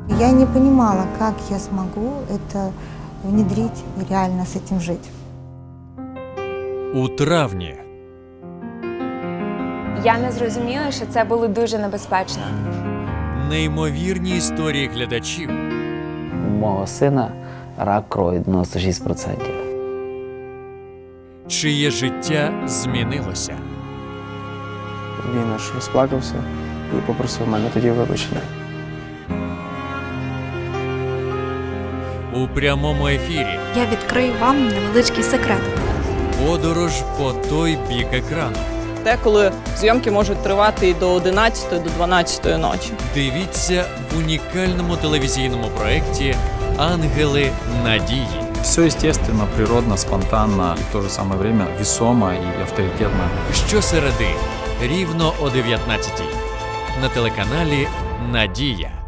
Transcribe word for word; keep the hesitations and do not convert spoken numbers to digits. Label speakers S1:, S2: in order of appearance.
S1: Я не понимала, как я смогу это внедрить и реально с этим жить.
S2: У травні
S3: Я не зрозуміла, що це було дуже небезпечно.
S2: неймовірні історії глядачів
S4: У мого сина рак крові дев'яносто шість відсотків.
S2: чиє життя змінилося.
S5: Він аж розплакався і попросив мене тоді вибачення.
S2: У прямому ефірі
S6: Я відкрию вам невеличкий секрет.
S2: подорож по той бік екрану.
S7: Деколи зйомки можуть тривати і до одинадцятої, до дванадцятої ночі.
S2: Дивіться в унікальному телевізійному проєкті «Ангели надії».
S8: Все естественно, природно, спонтанно и в то же самое время весомо и авторитетно.
S2: Щосереди рівно о дев'ятнадцятій на телеканалі «Надія».